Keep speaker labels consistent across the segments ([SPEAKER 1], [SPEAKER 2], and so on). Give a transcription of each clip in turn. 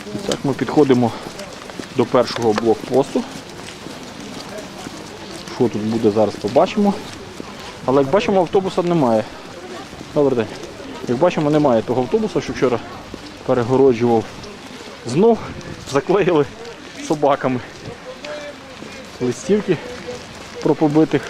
[SPEAKER 1] Так, ми підходимо до першого блокпосту. Що тут буде, зараз побачимо. Але як бачимо, автобуса немає. Добрий день. Як бачимо, немає того автобуса, що вчора перегороджував. Знов заклеїли собаками листівки про побитих.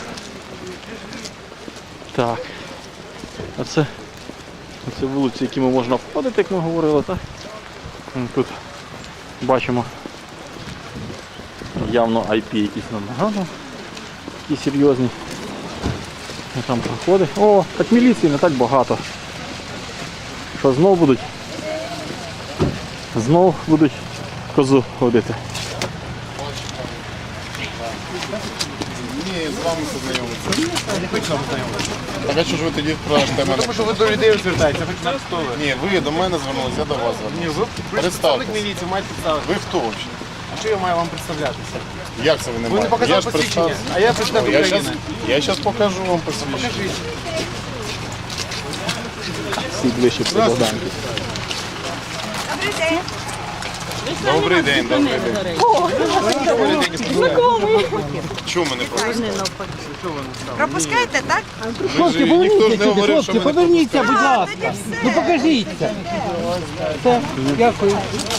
[SPEAKER 1] Так. А це вулиці, якими можна входити, як ми говорили, так? Тут бачимо явно IP якісь нам нагадують, такі серйозні. Там проходить. О, так міліції не так багато. Що знов будуть козу ходити.
[SPEAKER 2] Ні, з вами познайомитися. Я не хочу з вами познайомитися. Так а що ж ви тоді спрашуєте мене?
[SPEAKER 3] Тому що ви до людей звертаєтеся, хоч на хто ви.
[SPEAKER 2] Ні, ви до мене звернулися, я до вас
[SPEAKER 3] Ні,
[SPEAKER 2] звернувся.
[SPEAKER 3] ви представник міліції, маєте представити.
[SPEAKER 2] Ви хто взагалі?
[SPEAKER 3] А що я маю вам представлятися?
[SPEAKER 2] Як це ви не
[SPEAKER 3] Ви не
[SPEAKER 2] маєте?
[SPEAKER 3] показали
[SPEAKER 2] Я ж
[SPEAKER 3] посвідчення,
[SPEAKER 2] представ-
[SPEAKER 3] а я представник України.
[SPEAKER 2] Я зараз покажу вам посвідчення.
[SPEAKER 3] Покажіть.
[SPEAKER 1] Всі ближче до Богданки.
[SPEAKER 2] Добрий день, добрий день. Чому мене пропустили?
[SPEAKER 4] Пропускаєте, так?
[SPEAKER 5] Хлопці,
[SPEAKER 2] Ніхто ж не говорив, що
[SPEAKER 5] хлопці,
[SPEAKER 2] ми не
[SPEAKER 5] поверніться, будь ласка. Ну покажіться. Все, дякую.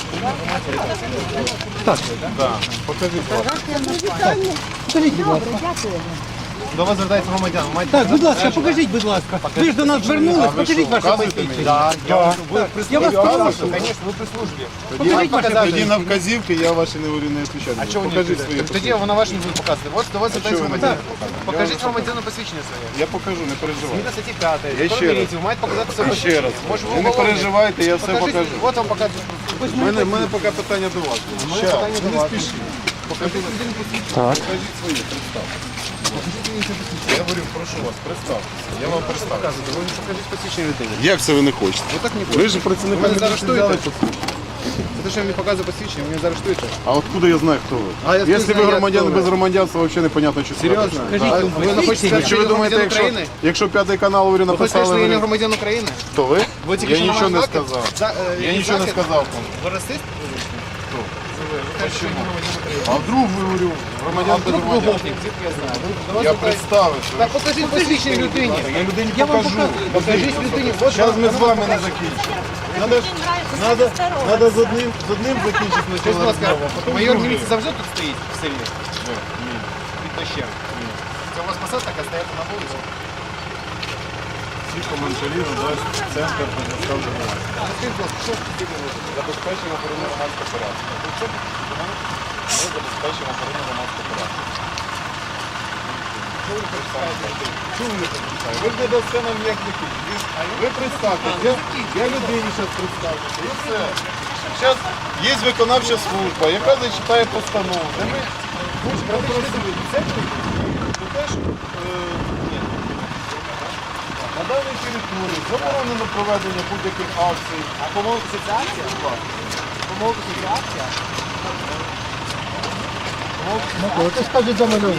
[SPEAKER 2] Так, покажіть.
[SPEAKER 5] Покажіть, будь ласка.
[SPEAKER 3] До вас звертається громадян. Маєте
[SPEAKER 5] Так, будь ласка, покажіть, будь ласка. Ви ж до нас звернулись, покажіть ваше
[SPEAKER 2] Показуєте
[SPEAKER 5] посвідчення.
[SPEAKER 2] мені?
[SPEAKER 5] Я вас прошу.
[SPEAKER 3] Звісно, ви при службі.
[SPEAKER 5] Покажіть ваше
[SPEAKER 2] Тоді
[SPEAKER 5] посвідчення.
[SPEAKER 2] на вказівки я ваші не говорю, не відповідаю.
[SPEAKER 3] А чого ви не
[SPEAKER 2] Покажіть
[SPEAKER 3] відповідаєте?
[SPEAKER 2] свої
[SPEAKER 3] Так тоді
[SPEAKER 2] посвідчення.
[SPEAKER 3] вона ваші не буде показувати. От до вас звертається
[SPEAKER 2] ви не
[SPEAKER 3] громадян.
[SPEAKER 2] будете
[SPEAKER 3] Покажіть громадяну посвідчення своє.
[SPEAKER 2] Я покажу, не переживайте.
[SPEAKER 3] Згідно статті 5.
[SPEAKER 2] Я
[SPEAKER 3] Закон
[SPEAKER 2] ще раз.
[SPEAKER 3] міліції, ви маєте показати своє
[SPEAKER 2] Ще
[SPEAKER 3] посвідчення.
[SPEAKER 2] раз.
[SPEAKER 3] Може, ви
[SPEAKER 2] Ви не
[SPEAKER 3] уголовник.
[SPEAKER 2] переживайте, я все
[SPEAKER 3] Покажіть,
[SPEAKER 2] покажу.
[SPEAKER 3] от вам показують.
[SPEAKER 2] У мене поки питання до вас. Щас,
[SPEAKER 3] питання до
[SPEAKER 2] не
[SPEAKER 3] вас.
[SPEAKER 2] спішіть. Покажіть
[SPEAKER 1] Так.
[SPEAKER 2] свої, представте. Я говорю, прошу вас, представтеся. Я вам представлю.
[SPEAKER 3] Ви не покажіть посвідчення людини.
[SPEAKER 2] Як це ви не хочете?
[SPEAKER 3] Ви так не
[SPEAKER 2] Ви ж працівник
[SPEAKER 3] Ви мене
[SPEAKER 2] міліції
[SPEAKER 3] заарештуєте?
[SPEAKER 2] взяли посвідчення.
[SPEAKER 3] Це те, що я мені показую посвідчення, ви мене заарештуєте.
[SPEAKER 2] А откуда я знаю, хто ви?
[SPEAKER 3] А я
[SPEAKER 2] Якщо
[SPEAKER 3] знаю,
[SPEAKER 2] ви
[SPEAKER 3] я
[SPEAKER 2] громадяни
[SPEAKER 3] хто ви.
[SPEAKER 2] без громадянства, взагалі непонятно, що
[SPEAKER 3] Серйозно?
[SPEAKER 5] Скажіть,
[SPEAKER 3] Ви не хочете сказати,
[SPEAKER 2] Чи ви думаєте,
[SPEAKER 3] України?
[SPEAKER 2] якщо п'ятий канал говорю,
[SPEAKER 3] Ви хочете сказати, що я не
[SPEAKER 2] написали,
[SPEAKER 3] громадян України?
[SPEAKER 2] то ви?
[SPEAKER 3] Ви тільки
[SPEAKER 2] Я
[SPEAKER 3] що на
[SPEAKER 2] нічого
[SPEAKER 3] мене
[SPEAKER 2] не
[SPEAKER 3] знаки?
[SPEAKER 2] сказав. Я нічого не сказав.
[SPEAKER 3] Ви расист?
[SPEAKER 2] Чому? А вдруг ви говорю, громадян без
[SPEAKER 3] Ви
[SPEAKER 2] громадян?
[SPEAKER 3] гопник, звідки я знаю. Ви до вас
[SPEAKER 2] Я
[SPEAKER 3] звертаєтесь-
[SPEAKER 2] представився.
[SPEAKER 3] Так покажіть посвідчення людині.
[SPEAKER 2] Я людині покажу.
[SPEAKER 3] Покажіть людині. От
[SPEAKER 2] Зараз ми з вами не закінчимо. Надо з одним закінчити
[SPEAKER 3] Скажіть, будь ласка,
[SPEAKER 2] спочатку.
[SPEAKER 3] майор міліції завжди тут стоїть в селі? Під дощем. Це у вас посад така стояти на вулиці?
[SPEAKER 2] Всі коментарі надасть центр предоставлення інформації.
[SPEAKER 3] Скажіть, будь ласка, що таке було?
[SPEAKER 2] Забезпечення охорони громадського порядку. Ми забезпечимо охорону громадського порядку. Чому ви не представляєте? Ви ж не дасте нам ніяк відповідь. Ви представтесь. Я людині зараз представлюся. І все. Зараз є виконавча служба, яка зачитає постанову. Де ми попросили це про те, що на даній території заборонено проведення будь-яких акцій.
[SPEAKER 3] А помилка асоціація? Помилка асоціація?
[SPEAKER 5] Це скажуть за мене.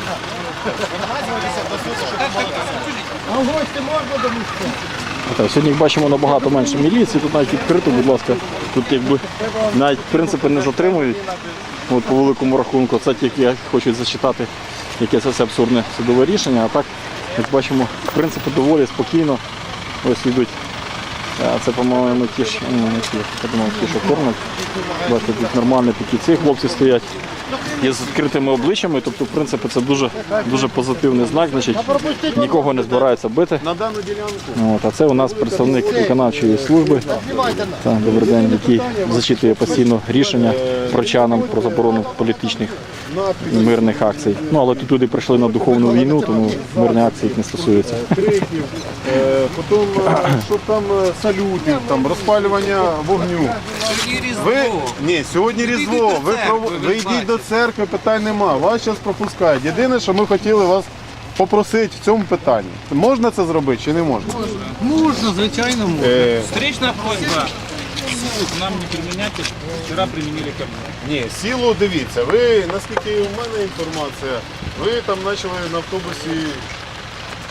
[SPEAKER 5] А в гості можна до місця?
[SPEAKER 1] Так, сьогодні як бачимо набагато менше міліції, тут навіть відкрито, будь ласка, тут якби навіть принципи не затримують. От по великому рахунку, це тільки хочуть зачитати якесь це абсурдне судове рішення, а так, як бачимо, принципи доволі спокійно ось йдуть. Це, по-моєму, ті ж, я думав, ті, що кормять. Бачите, тут нормальні такі ці хлопці стоять. Є з відкритими обличчями, тобто, в принципі, це дуже позитивний знак, значить, нікого не збираються бити.
[SPEAKER 2] На дану ділянку.
[SPEAKER 1] От, а це у нас представник виконавчої служби, добрий день, який зачитує постійно рішення прочанам про заборону політичних і мирних акцій. Ну, але тут люди прийшли на духовну війну, тому мирні акції їх не стосуються.
[SPEAKER 2] Криків, потім, що там салютів, там, розпалювання вогню. Ні, сьогодні Різдво. Ви йдіть до церкви, питань нема. Вас зараз пропускають. Єдине, що ми хотіли вас попросити в цьому питанні. Можна це зробити чи не можна?
[SPEAKER 5] Можна, звичайно, можна.
[SPEAKER 6] Встречная просьба силу к нам не применять, вчера применили ко мне.
[SPEAKER 2] Ні, сілу дивіться. Ви, наскільки у мене інформація, ви там почали на автобусі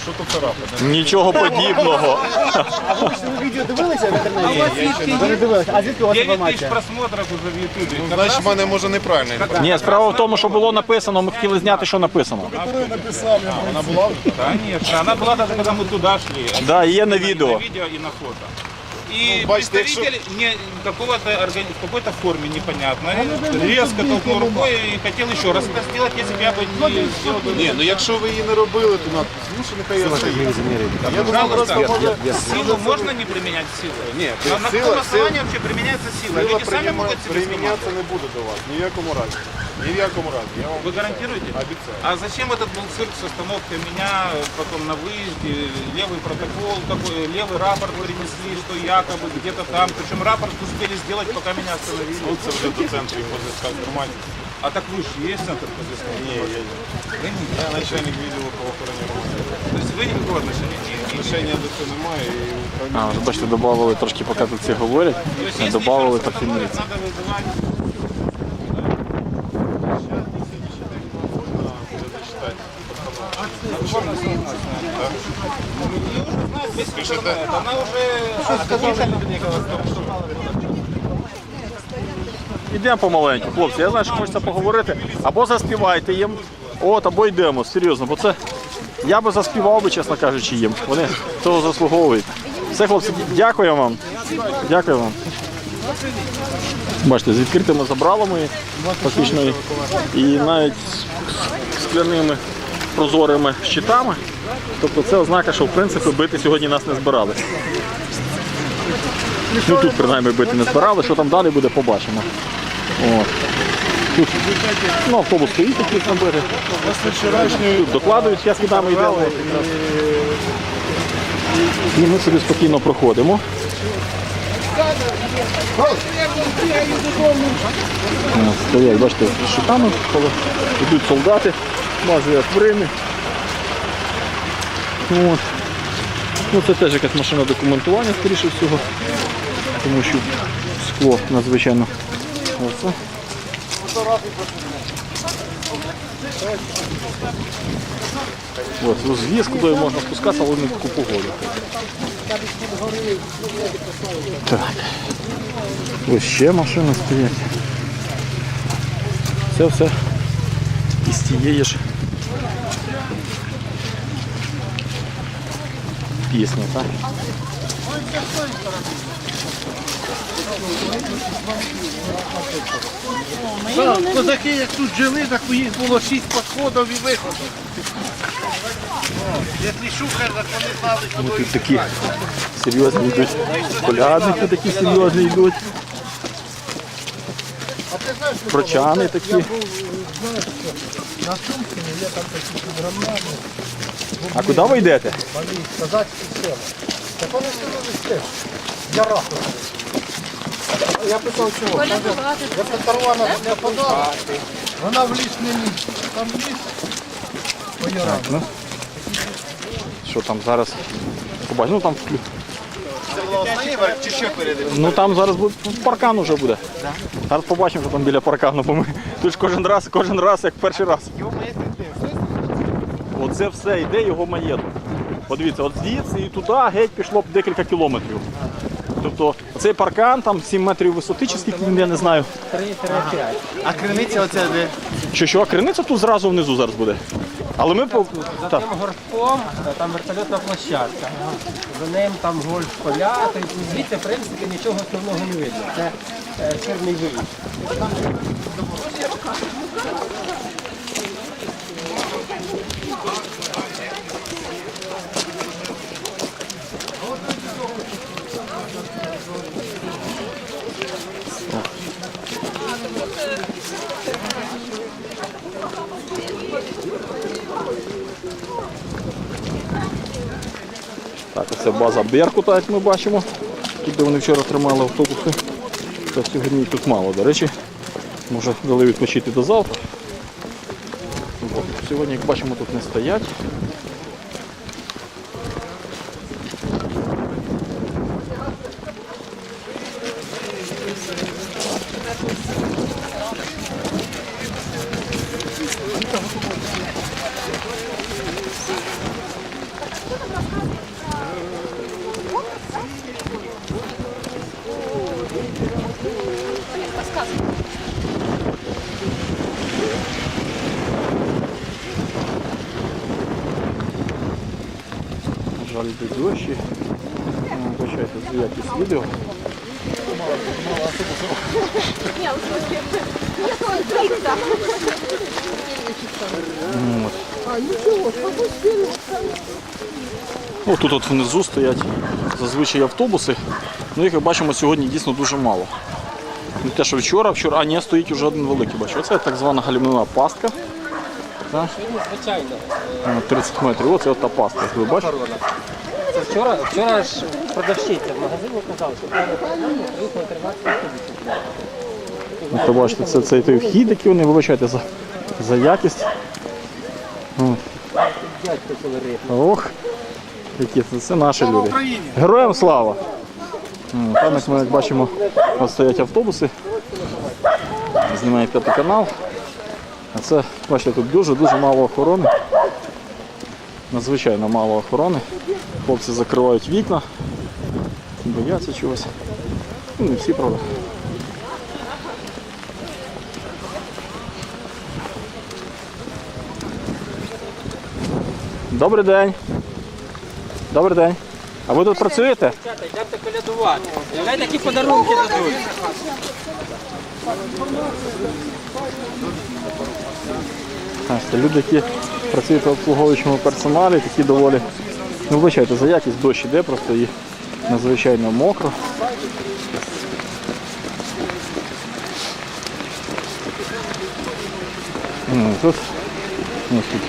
[SPEAKER 2] Що тут царапати?
[SPEAKER 1] Нічого подібного.
[SPEAKER 3] Ви відео дивилися в інтернеті? Ви не дивилися. А звідки у вас
[SPEAKER 6] 9 тысяч
[SPEAKER 3] інформація?
[SPEAKER 6] просмотров уже в Ютубе.
[SPEAKER 2] Ну, значить, в мене може неправильно.
[SPEAKER 1] Ні, справа в тому, що було написано, ми хотіли зняти, що написано.
[SPEAKER 2] Вона була?
[SPEAKER 6] Конечно, она была даже когда мы туда шли.
[SPEAKER 1] Да, є на відео.
[SPEAKER 6] На видео и на фото. И
[SPEAKER 2] бачите,
[SPEAKER 6] представитель в какой-то форме непонятной резко толкнул рукой и хотел еще раз это сделать, если бы я бы не сделал.
[SPEAKER 2] Ні, ну якщо ви її не робили, то ну що нехай я стоїть. Я думаю, просто
[SPEAKER 6] Пожалуйста,
[SPEAKER 2] може...
[SPEAKER 6] силу можно не применять силу?
[SPEAKER 2] Нет,
[SPEAKER 6] На
[SPEAKER 2] сила-
[SPEAKER 6] каком основании вообще применяется сила?
[SPEAKER 2] Сила
[SPEAKER 6] Люди сами могут себе снимать.
[SPEAKER 2] примінятися не буде до вас, ні в якому разі. Ні в якому разі, я вам
[SPEAKER 6] Вы гарантируете?
[SPEAKER 2] обіцяю.
[SPEAKER 6] А зачем этот был цирк с остановкой меня, потом на выезде, левый протокол, такой, левый рапорт принесли, что якобы где-то там, причем рапорт успели сделать, пока меня остановили.
[SPEAKER 2] Ну, це вже до центру позиска інформації.
[SPEAKER 6] А так вы же есть центр по взысканию?
[SPEAKER 2] Ні,
[SPEAKER 6] Вы не
[SPEAKER 2] я начальник відділу правоохоронних органів.
[SPEAKER 6] То есть вы никакого отношения не имеете?
[SPEAKER 2] Рішення до цього немає і управління.
[SPEAKER 1] А, вже бачите, додавали трошки, поки тут всі говорять,
[SPEAKER 6] То есть, если
[SPEAKER 1] додавали
[SPEAKER 6] еще раз
[SPEAKER 1] трохи
[SPEAKER 6] остановят,
[SPEAKER 1] міліції.
[SPEAKER 6] надо вызывать. Она уже сказала,
[SPEAKER 1] Ідемо помаленьку, хлопці. Я знаю, що хочеться поговорити. Або заспівайте їм, або йдемо, серйозно. Бо це я би заспівав би, чесно кажучи, їм. Вони цього заслуговують. Все, хлопці, дякую вам. Дякую вам. Бачите, з відкритими забралами фактично і навіть з скляними прозорими щитами. Тобто це ознака, що в принципі бити сьогодні нас не збирали. Ну тут принаймні бити не збирали, що там далі буде, побачимо. От. Тут автобус стоїть якийсь набити. Тут докладують, я слідами йдемо. І ми собі спокійно проходимо. Стоять, бачите, з щитами, коли йдуть солдати, бази як в Римі. От. Ну, це теж якась машина документування, скоріше всього, тому що скло надзвичайно. Оце. Ось, зв'язку, куди можна спускатися, але не в таку погоду. Так. Ось ще машини стоять. Це все із тієї ж пісні, так?
[SPEAKER 3] Козаки, як тут жили, так у їх було 6 підходів і виходів. Якщо шухер, так вони знали,
[SPEAKER 1] Ну, тут такі серйозні йдуть. Колядники такі серйозні йдуть. Прочани такі. А куди ви йдете?
[SPEAKER 3] Я питав, чого? Я Тарвана не подала, вона в ліс не ліс. Там ліс.
[SPEAKER 1] Ну, що там зараз? Побачимо, ну там
[SPEAKER 3] Чи ще перед?
[SPEAKER 1] ну там зараз буде паркан уже буде. Зараз побачимо, що там біля паркану, бо ми тут ж кожен раз як перший раз. Оце все йде його маєток. Подивіться, от звідси і туди геть пішло б декілька кілометрів. Тобто цей паркан, там 7 метрів висоти, чи скільки він, я не знаю.
[SPEAKER 3] А криниця оця де?
[SPEAKER 1] Що, криниця тут зразу внизу зараз буде. Але ми по...
[SPEAKER 5] За тим горбком там вертольотна площадка. За ним там гольф-поля. Тобто звідси, в принципі, нічого основного не видно. Це чорний виїзд.
[SPEAKER 1] Так, це база Беркута, як ми бачимо. Тут, де вони вчора тримали автобуси. Та сьогодні їх тут мало, до речі. Може, дали відпочити до завтра. От. Сьогодні, як бачимо, тут не стоять. На жаль, йде дощі. Вибачайте за якість відео. Ось тут от внизу стоять зазвичай автобуси. Ну, їх, як бачимо, сьогодні дійсно дуже мало. Не те, що вчора, а ні, стоїть вже один великий, бачу. Оце так звана гальмівна пастка. Так.
[SPEAKER 5] Звичайно.
[SPEAKER 1] 30 метрів, оце от та пастка, як ви бачите.
[SPEAKER 5] Це вчора ж продавщиця в магазині казала, що треба приїхали 13 автобусів.
[SPEAKER 1] От ви бачите, це цей той вхід, який вони, вибачайте за якість.
[SPEAKER 5] Дядько колорит.
[SPEAKER 1] Ох, які це наші люди. Героям слава! Там, як ми як бачимо, от стоять автобуси. Знімає 5-й канал. А це, бачите, тут дуже мало охорони. Надзвичайно мало охорони. Хлопці закривають вікна, бояться чогось. Ну, не всі, правда. Добрий день. Добрий день. А ви тут працюєте?
[SPEAKER 5] Дівчата, йдемте колядувати. Уявляєте, які подарунки дадуть.
[SPEAKER 1] Це люди, які працюють в обслуговуючому персоналі, такі доволі, ну вибачайте, за якість дощ іде, просто і надзвичайно мокро. Тут, ось тут.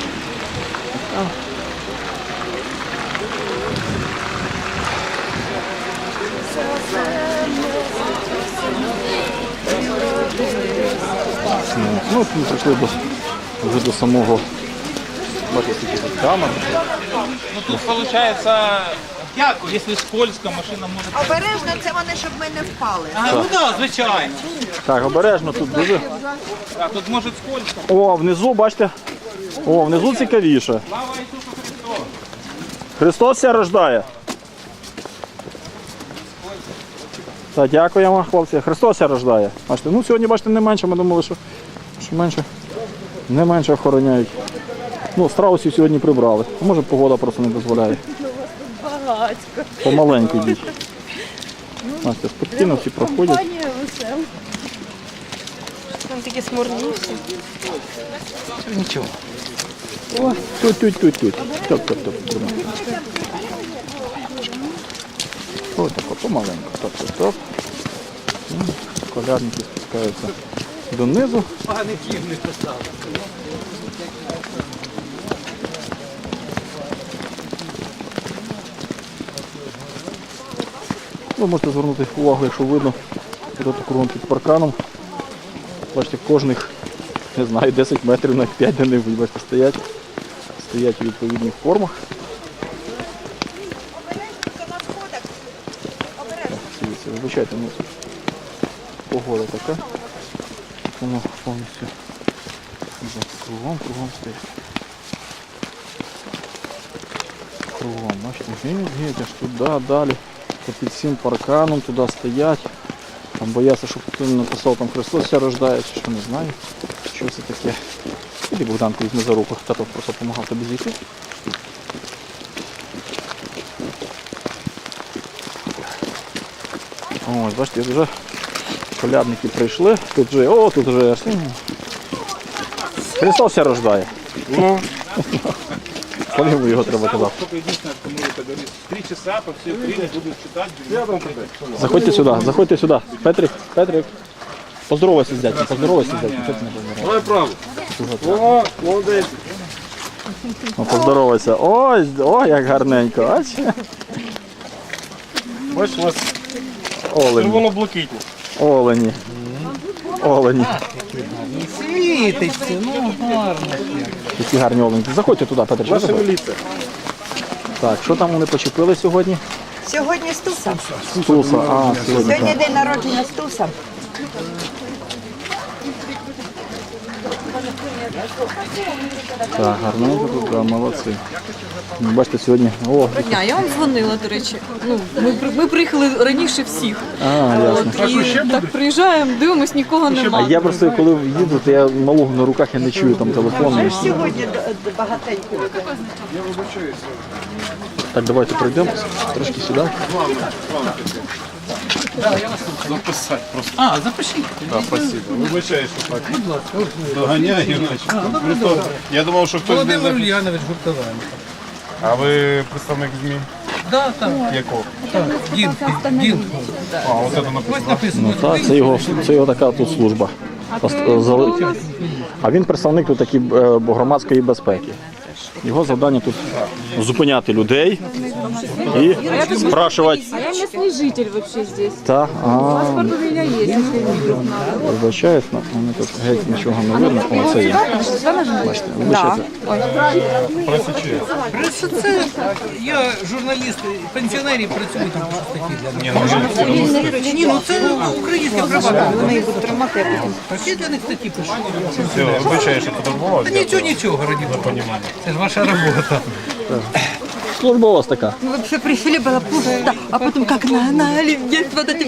[SPEAKER 1] Ну, ми прийшли вже до самого, бачите, скільки тут камер.
[SPEAKER 6] Ну тут получается, если скользко, машина может...
[SPEAKER 4] Обережно, це вони, щоб ми не впали.
[SPEAKER 6] Ну да, звичайно.
[SPEAKER 1] Так, обережно тут дуже.
[SPEAKER 6] А тут может скользко.
[SPEAKER 1] О, внизу, бачите, внизу цікавіше.
[SPEAKER 6] Слава Ісусу Христу!
[SPEAKER 1] Христос ся рождає. Так, дякуємо, хлопці. Христос ся рождає. Бачите, ну сьогодні, бачите, не менше, ми думали, що менше, не менше охороняють. Ну, страусів сьогодні прибрали. А може погода просто не дозволяє. Помаленьку йдіть. Бачите, спокійно всі проходять.
[SPEAKER 4] Там такі смурні всі.
[SPEAKER 1] Нічого. О, тут. Топ. Ось тако, помаленьку. Топ. Колядники спускаються донизу.
[SPEAKER 5] Погаників не поставили.
[SPEAKER 1] Ви можете звернути увагу, якщо видно, тут кругом під парканом. Бачите, кожних, не знаю, 10 метрів на 5 де не бачите, стоять у відповідних формах. Дивіться, вибачайте, ну, погода така. Воно повністю кругом стоїть. Кругом, бачите, геть, аж туди, далі. Під цим парканом туди стоять. Там бояться, щоб хтось не написав, там Христос ся рождає, чи що, не знаю. Що це таке. Іди, Богданко, візьми за руку, тато просто допомагав тобі зійти. Ось, бачите, вже колядники прийшли. Тут вже Христос ся рождає. Коли йому його треба казати?
[SPEAKER 6] Только единственное, кому это говорит, 3 часа по всей Украине будут читать.
[SPEAKER 1] Заходьте сюди. Петрик. Поздоровайся з дядьком, Що ти не поздоровайся?
[SPEAKER 2] Давай право. О, молодець.
[SPEAKER 1] Ну, поздоровайся. Ой, як гарненько.
[SPEAKER 2] Бачиш, у вас
[SPEAKER 1] Олені.
[SPEAKER 2] червоно-блакитні.
[SPEAKER 1] Олені.
[SPEAKER 3] Світиться, ну гарно.
[SPEAKER 1] Які гарні олені. Заходьте туди, Петр.
[SPEAKER 2] Ваша міліція.
[SPEAKER 1] Так, що там вони почепили сьогодні?
[SPEAKER 4] Сьогодні Стуса.
[SPEAKER 1] Стуса. Сьогодні.
[SPEAKER 4] Сьогодні день народження Стуса.
[SPEAKER 1] Так, гарненько тут, да, молодці. Бачите, сьогодні. О,
[SPEAKER 7] Дня, я вам дзвонила, до речі. Ну, ми приїхали раніше всіх.
[SPEAKER 1] ясно.
[SPEAKER 7] І так приїжджаємо, дивимось, нікого
[SPEAKER 1] А
[SPEAKER 7] немає.
[SPEAKER 1] я просто коли їду, то я малого на руках я не чую там телефону.
[SPEAKER 4] Вже ж сьогодні багатенько людей.
[SPEAKER 1] Так, давайте пройдемо трошки сюди.
[SPEAKER 2] Записати просто.
[SPEAKER 6] А, запишіть.
[SPEAKER 2] Так, спасибо. Вибачаю, що так доганяю. Просто я думав, що хтось не записав.
[SPEAKER 3] Ульянович Гуртован.
[SPEAKER 2] А ви представник ЗМІ?
[SPEAKER 3] Да, так.
[SPEAKER 2] Якого?
[SPEAKER 3] Дін.
[SPEAKER 2] А, ось це написано.
[SPEAKER 1] Ну, так, це його така тут служба. А він представник тут такий громадської безпеки. Його завдання тут зупиняти людей і спрашувати.
[SPEAKER 7] А я місцевий житель вообще здесь.
[SPEAKER 1] Та,
[SPEAKER 7] Паспорт у меня есть, если вдруг надо.
[SPEAKER 1] вибачаюсь, мене тут геть нічого не видно. О, це є. Бачите, вибачайте.
[SPEAKER 3] Просто це, я журналіст, пенсіонерів працюю там по статті для них. Ні, ну це українське право.
[SPEAKER 4] Вони їх будуть тримати, а потім.
[SPEAKER 3] Я для них статті пишу.
[SPEAKER 2] Все, вибачаю, що фотографував.
[SPEAKER 3] Та нічого, раді Бога. Це ж ваша робота.
[SPEAKER 1] Служба у вас така.
[SPEAKER 4] Мы вообще пришли, было пусто, а потом как на оливье вот этим.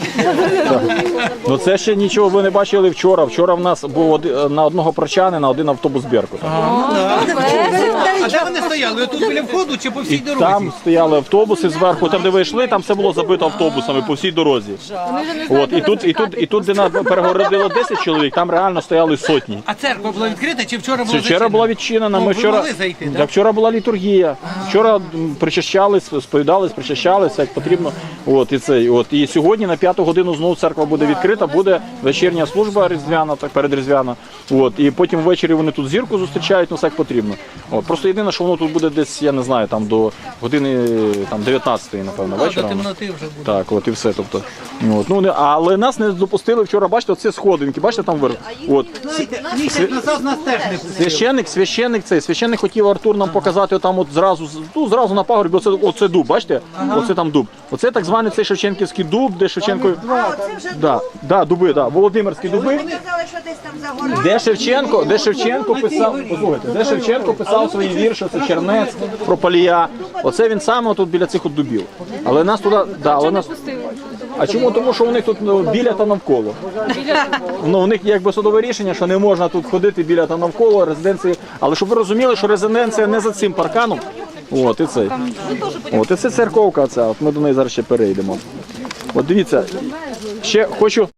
[SPEAKER 1] Ну це ще нічого ви не бачили вчора. Вчора в нас був на одного прочанина один автобус Беркут.
[SPEAKER 3] А де вони стояли? Отут біля входу чи по всій дорозі?
[SPEAKER 1] Там стояли автобуси зверху, там де ви йшли, там все було забито автобусами по всій дорозі. От, і тут, де нас перегородило 10 чоловік, там реально стояли сотні.
[SPEAKER 3] А церква була відкрита чи вчора була
[SPEAKER 1] Вчора була відчинена. Ми
[SPEAKER 3] ви
[SPEAKER 1] вчора,
[SPEAKER 3] могли зайти, так?
[SPEAKER 1] Так, вчора була літургія. Вчора причащались, сповідались, причащалися, як потрібно. От, і сьогодні на 5 годину знову церква буде відкрита, буде вечірня служба різдвяна, так, передріздвяна. От, і потім ввечері вони тут зірку зустрічають, ну все як потрібно. От, просто єдине, що воно тут буде десь, я не знаю, там до години там, 19-ї, напевно,
[SPEAKER 3] До
[SPEAKER 1] вечора.
[SPEAKER 3] темноти вже буде.
[SPEAKER 1] Так, от і все. Тобто, от, ну, але нас не допустили вчора, бачите, оце сходинки, бачите там вверх. От.
[SPEAKER 3] Місяць назад нас теж не пустили.
[SPEAKER 1] Священник хотів Артур нам показати там от зразу на пагорбі, оце дуб, бачите? Оце там дуб. Оце так званий цей Шевченківський дуб, де Шевченко...
[SPEAKER 4] Це вже
[SPEAKER 1] дуби, Володимирські дуби.
[SPEAKER 4] казали, що десь там за горою.
[SPEAKER 1] Де Шевченко писав, послухайте, де Шевченко писав свої вірші, це Чернець, про Палія. Оце він саме тут біля цих от дубів. Але нас туди, але нас... А чому? Тому що у них тут біля та навколо. Ну, у них якби судове рішення, що не можна тут ходити біля та навколо резиденції. Але щоб ви розуміли, що резиденція не за цим парканом. От і цей. От і це церковка ця. От ми до неї зараз ще перейдемо. От дивіться, ще хочу